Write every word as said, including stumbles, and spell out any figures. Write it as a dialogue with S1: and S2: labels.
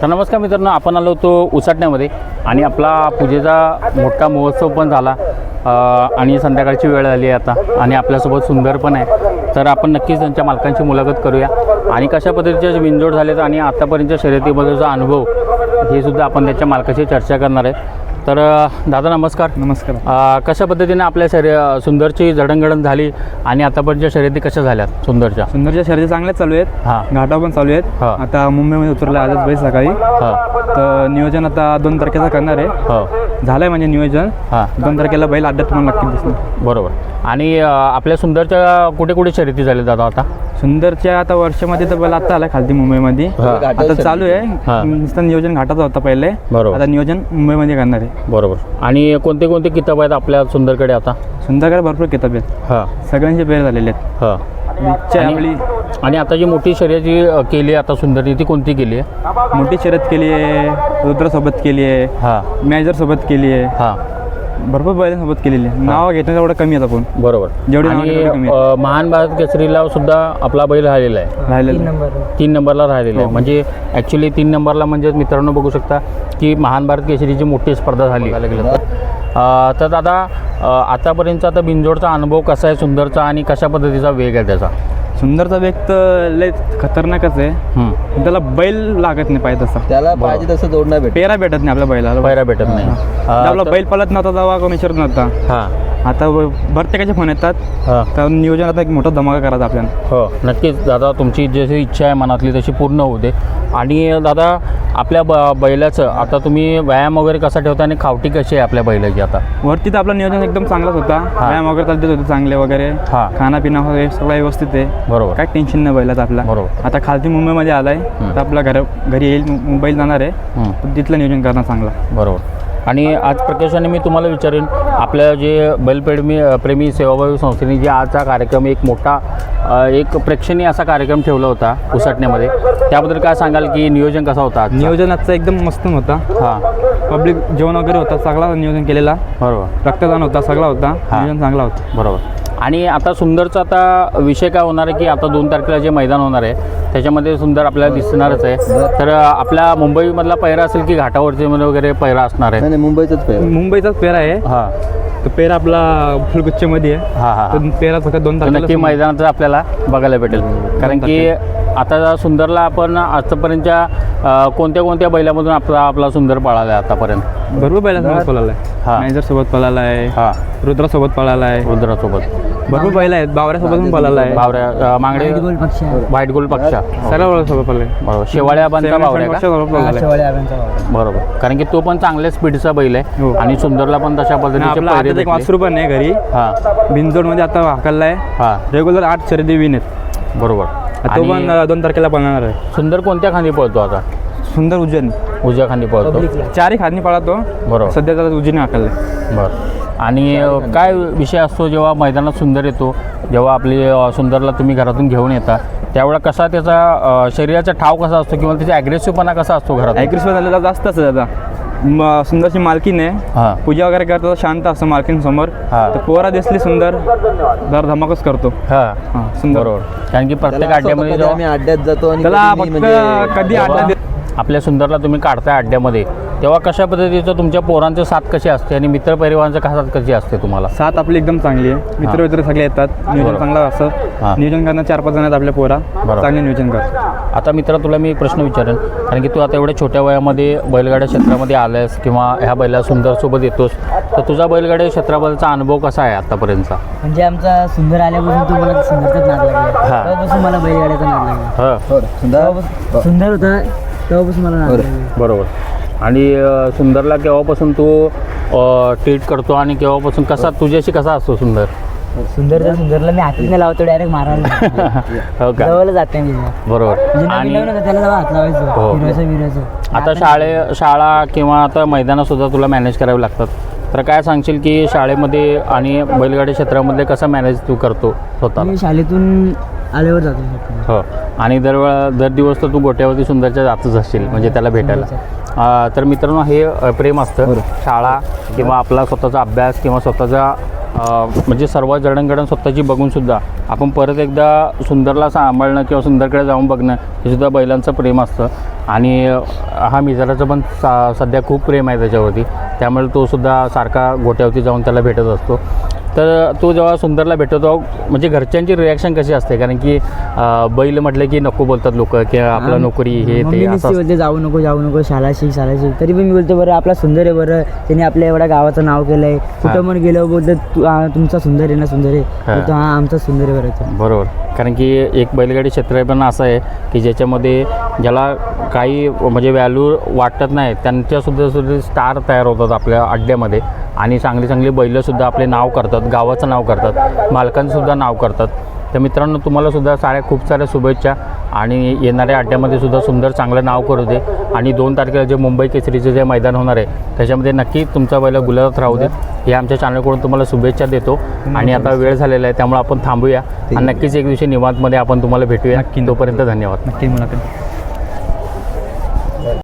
S1: तर नमस्कार मित्रांनो, आपण आलो होतो उसाटण्यामध्ये आणि आपला पूजेचा मोठा महोत्सव पण झाला आणि संध्याकाळची वेळ आली आहे आता आणि आपल्यासोबत सुंदर पण आहे. तर आपण नक्कीच त्यांच्या मालकांची मुलाखत करूया आणि कशा पद्धतीचे बिनजोड झालेत आणि आतापर्यंतच्या शर्यतीबद्दलचा अनुभव हे सुद्धा आपण त्याच्या मालकाशी चर्चा करणार आहे. तर दादा नमस्कार.
S2: नमस्कार.
S1: कशा पद्धतीने आपल्या शर्य सुंदरची जडणघडण झाली आणि आतापर्यंतच्या शर्यती कशा झाल्यात सुंदरच्या?
S2: सुंदरच्या शर्यती चांगल्याच चालू आहेत.
S1: हां,
S2: घाटा पण चालू आहेत.
S1: हां.
S2: आता मुंबईमध्ये उतरलं आजच बैल सकाळी.
S1: हां,
S2: तर नियोजन आता दोन तारखेला करणार आहे.
S1: हो,
S2: झालं आहे म्हणजे नियोजन.
S1: हां,
S2: दोन तारखेला बैल अड्ड्यात तुम्हाला नक्की दिसणार.
S1: बरोबर. आणि आपल्या सुंदरच्या कुठे कुठे शर्यती झाल्या दादा आता?
S2: सुंदरच्या आता वर्षामध्ये तर बैल आता आला खालती मुंबईमध्ये.
S1: हां.
S2: आता चालू आहे.
S1: हां.
S2: नुसतं नियोजन घाटाचं होतं पहिले.
S1: बरोबर.
S2: आता नियोजन मुंबईमध्ये करणार आहे.
S1: बरोबर. आणि कोणते कोणते किताब आहेत आपल्या सुंदरकडे आता?
S2: सुंदरकडे भरपूर किताब आहेत.
S1: हां,
S2: सगळ्यांचे पेर झालेले आहेत.
S1: हां.
S2: इच्छा आहे आपली.
S1: आणि आता जी मोठी शर्यत जी केली आहे आता सुंदरनी, ती कोणती केली आहे?
S2: मोठी शर्यत केली आहे. रुद्रासोबत केली आहे.
S1: हां,
S2: मॅजरसोबत केली आहे.
S1: हां,
S2: भरपूर बैलांसोबत केलेली आहे. नाव घेतलं तेवढं कमी आहेत आपण.
S1: बरोबर.
S2: जेवढी नावं
S1: आणि
S2: घेतली तेवढी कमी
S1: अ, महान भारत केसरीला सुद्धा आपला बैल राहिलेला आहे.
S2: राहिलेलं.
S1: तीन नंबरला राहिलेला आहे. म्हणजे ॲक्च्युली तीन नंबरला म्हणजे मित्रांनो बघू शकता की महान भारत केसरीची मोठी स्पर्धा झाली. अ, तर दादा अ, आतापर्यंतचा आता बिनजोडचा अनुभव कसा आहे सुंदरचा आणि कशा पद्धतीचा वेग आहे त्याचा?
S2: सुंदरचा वेग तर लय खतरनाकच आहे.
S1: हं.
S2: त्याला बैल लागत नाही पाहिजे तसा.
S3: त्याला पाहिजे तसं जोडणं भेट
S2: पेरा भेटत नाही आपल्या बैलाला.
S1: पायऱ्या भेटत नाही.
S2: हा.
S1: अ,
S2: आपला
S1: तर-
S2: बैल पळत नव्हता तेव्हा कोणी विचारत नव्हता.
S1: हां,
S2: आता प्रत्येकाचे फोन येतात.
S1: हां.
S2: तर नियोजन आता एक मोठा धमाका करायचा आपल्याला.
S1: हो, नक्कीच दादा, तुमची जशी इच्छा आहे मनातली तशी पूर्ण होऊ दे. आणि दादा आपल्या ब बैलाचं आता तुम्ही व्यायाम वगैरे कसा ठेवता आणि खावटी कशी आहे आपल्या बैलाची आता?
S2: वरती तर आपलं नियोजन एकदम चांगलाच होता. व्यायाम वगैरे चालते होते चांगले वगैरे.
S1: हां,
S2: खानापिना वगैरे सगळं व्यवस्थित आहे.
S1: बरोबर.
S2: काय टेन्शन नाही बैलाचं आपला.
S1: बरोबर.
S2: आता खालती मुंबईमध्ये आलाय. तर आपला घर घरी येईल, मुंबईला जाणार आहे.
S1: हं.
S2: तर तिथलं नियोजन करणार चांगला.
S1: बरोबर. आणि आज प्रकाशाने मी तुम्हाला विचारेन, आपल्या जे बैलप्रेमी प्रेमी सेवाभावी संस्थेने जे आजचा कार्यक्रम एक मोठा अ, एक प्रेक्षणीय असा कार्यक्रम ठेवला होता उसाटण्यामध्ये, त्याबद्दल काय सांगाल की नियोजन कसा होता आजचा?
S2: नियोजन आजचा एकदम मस्त होता.
S1: हां,
S2: पब्लिक जेवण वगैरे होता, सगळा नियोजन केलेला.
S1: बरोबर.
S2: रक्तदान होता, सगळा होता.
S1: हां.
S2: नियोजन चांगला होता.
S1: बरोबर. आणि आता सुंदरचा आता विषय काय होणार आहे की आता दोन तारखेला जे मैदान होणार आहे त्याच्यामध्ये सुंदर आपल्याला दिसणारच आहे. तर आपल्या मुंबईमधला पैरा असेल की घाटावरचे वगैरे पैरा असणार आहे?
S3: नाही नाही, मुंबईचाच पेर.
S2: मुंबईचाच पेरा आहे.
S1: हां,
S2: तो पेरा आपला फुलगुच्छमध्ये आहे.
S1: हां, हां.
S2: तो पेरा फक्त दोन
S1: तर
S2: तारखेला
S1: नक्की मैदानात आपल्याला बघायला भेटेल. कारण की आता सुंदरला आपण आजपर्यंतच्या अ, कोणत्या कोणत्या बैलामधून आपला आपला सुंदर पळाला आहे आतापर्यंत?
S2: भरपूर बैलासोबत पळाला
S1: हां.
S2: आहे. मॅनेजर सोबत पळाला आहे.
S1: हां,
S2: रुद्रासोबत पळाला आहे.
S1: रुद्रासोबत
S2: भरपूर बैल आहेत. बावऱ्यासोबत पण पळाला आहे.
S1: बावऱ्या अ, मांगडे व्हाईट गोल्ड पक्षा.
S2: सगळ्या सोबत पळाला आहे.
S1: बरोबर. शेवाळ्या बांधता बावऱ्या का?
S2: सोबत पळाला आहे.
S1: बरोबर. कारण की तो पण चांगल्या स्पीडचा बैल आहे
S2: हो.
S1: आणि सुंदरला पण तशा
S2: आणि
S1: पद्धतीचे
S2: आपला
S1: पैरे
S2: आता एक
S1: भेटले.
S2: वासरू पण आहे घरी.
S1: हां,
S2: बिनजोडमध्ये आता हाकलला आहे.
S1: हां,
S2: रेग्युलर आठ शर्यती विन आहेत.
S1: बरोबर.
S2: तो
S1: आणि
S2: पण अं, दोन तारखेला पळणार आहे.
S1: सुंदर कोणत्या खांदी पळतो आता?
S2: सुंदर उज्जैन
S1: उजव्या खांदी पळतो.
S2: चारही खांदी पळतो.
S1: बरोबर.
S2: सध्या त्याला उज्जैन हाकललाय.
S1: बरं. आणि अ, काय विषय असतो जेव्हा मैदानात सुंदर येतो, जेव्हा आपली अ, सुंदरला तुम्ही घरातून घेऊन येता त्यावेळेला कसा त्याचा अ, शरीराचा ठाव कसा असतो किंवा त्याचा ॲग्रेसिव्हपणा कसा असतो घरात?
S2: ॲग्रेसिव्ह झालेला जास्त असतं दादा. म सुंदरची मालकीन आहे.
S1: हां,
S2: पूजा वगैरे करतो शांत असतं मालकीन समोर.
S1: हां.
S2: तर पोरा दिसली सुंदर जर धमाकच करतो.
S1: हां,
S2: हां सुंदर.
S1: बरोबर. कारण की प्रत्येक
S3: त्याला असं होतं
S1: अड्ड्यामध्ये
S3: कधी
S1: जेव्हा
S3: आम्ही अड्ड्यात जातो आणि
S2: त्याला
S3: कधी
S2: फक्त
S3: नाही म्हणजे
S2: कधी अड्डा दे-
S1: आपल्या सुंदरला तुम्ही काढताय अड्ड्यामध्ये तेव्हा कशा पद्धतीचं तुमच्या पोरांचं साथ कशी असते आणि मित्रपरिवारांचं साथ कशी असते तुम्हाला?
S2: साथ आपली एकदम चांगली आहे. मित्र मित्र सगळे येतात. नियोजन
S1: बरोबर.
S2: चांगलं असं.
S1: हां.
S2: नियोजन करणार चार पाच जण आहेत आपल्या पोरा.
S1: बरोबर.
S2: चांगले नियोजन करतात.
S1: आता मित्रा तुला मी एक प्रश्न विचारेन, कारण की तू आता एवढ्या छोट्या वयामध्ये बैलगाड्या क्षेत्रामध्ये आलायस किंवा ह्या बैला सुंदरसोबत येतोस, तर तुझा बैलगाड्या क्षेत्राबद्दलचा अनुभव कसा आहे आतापर्यंतचा?
S4: म्हणजे आमचा सुंदर आल्यापासून तो मला सुंदरचाच नाद लागला.
S1: हां.
S4: तेव्हापासून मला बैलगाड्याचा नाद लागला.
S1: हां,
S3: बरं, सुंदर.
S4: तेव्हापासून सुंदर होता तेव्हापासून मला नाद
S3: बरं.
S4: लागला.
S1: बरोबर. आणि अ, सुंदरला केव्हापासून तू ट्रीट करतो आणि केव्हापासून कसा तुझ्याशी कसा असतो सुंदर?
S4: सुंदरचा सुंदरला मी हातीत नाही लावतो, डायरेक्ट मारायला
S1: हो का?
S4: जवळ जात नाही मी.
S1: बरोबर.
S4: म्हणजे नवीन
S1: आणि
S4: नवीन होतं त्याला जेव्हा हात लावायचं
S1: हो.
S4: विरायचं विरायचं.
S1: आता शाळे शाळा किंवा आता मैदानासुद्धा तुला मॅनेज करावे लागतात, तर काय सांगशील की शाळेमध्ये आणि बैलगाडी क्षेत्रामध्ये कसं मॅनेज तू करतो स्वतः?
S4: मी शाळेतून आल्यावर जातो फक्त.
S1: हो. आणि दरवेळा दर दिवस तर तू गोट्यावरती सुंदरच्या जातच असशील म्हणजे त्याला भेटायला. अ, तर मित्रांनो हे अ, प्रेम असतं. शाळा किंवा आपला स्वतःचा अभ्यास किंवा स्वतःचा अ, म्हणजे सर्व जडणघडण स्वतःची बघूनसुद्धा आपण परत एकदा सुंदरला सांभाळणं किंवा सुंदरकडे जाऊन बघणं हे सुद्धा बैलांचं प्रेम असतं. आणि अ, हा मिजाराचं पण सा सध्या खूप प्रेम आहे त्याच्यावरती, त्यामुळे तो सुद्धा सारखा गोट्यावरती जाऊन त्याला भेटत असतो. तर तो जेव्हा सुंदरला भेटतो म्हणजे घरच्यांची रिॲक्शन कशी असते, कारण की अ, बैल म्हटलं की नको बोलतात लोक की आपलं नोकरी हे
S4: मम्मी
S1: ते
S4: नुसती
S1: असं
S4: बोलते जाऊ नको जाऊ नको शाळा शिक शाळा शिक, तरी पण मी बोलतो बरं आपला सुंदर आहे, बरं त्याने आपल्या एवढ्या गावाचं नाव केलं आहे, कुठं पण गेलं बोलतं तू हा, तुमचा सुंदर आहे ना सुंदर आहे, बोलतो हां आमचा सुंदर आहे बरं.
S1: बरोबर. कारण की एक बैलगाडी क्षेत्र पण असं आहे की ज्याच्यामध्ये ज्याला काही म्हणजे व्हॅल्यू वाटत नाही त्यांच्यासुद्धा सुद्धा स्टार तयार होतात आपल्या अड्ड्यामध्ये आणि चांगली चांगली बैलंसुद्धा आपले नाव करतात, गावाचं नाव करतात, मालकांचंसुद्धा नाव करतात. तर मित्रांनो तुम्हालासुद्धा साऱ्या खूप साऱ्या शुभेच्छा आणि येणाऱ्या अड्ड्यामध्ये सुद्धा सुंदर चांगलं नाव करू दे आणि दोन तारखेला जे मुंबई केसरीचं जे मैदान होणार आहे त्याच्यामध्ये नक्की तुमचा बैल गुलाबात राहू दे हे आमच्या चॅनलकडून तुम्हाला शुभेच्छा देतो. आणि आता वेळ झालेला आहे त्यामुळे आपण थांबूया आणि नक्कीच एक दिवशी निवांतमध्ये आपण तुम्हाला भेटूया.
S2: नक्की.
S1: तोपर्यंत धन्यवाद.
S2: नक्की मुलाखत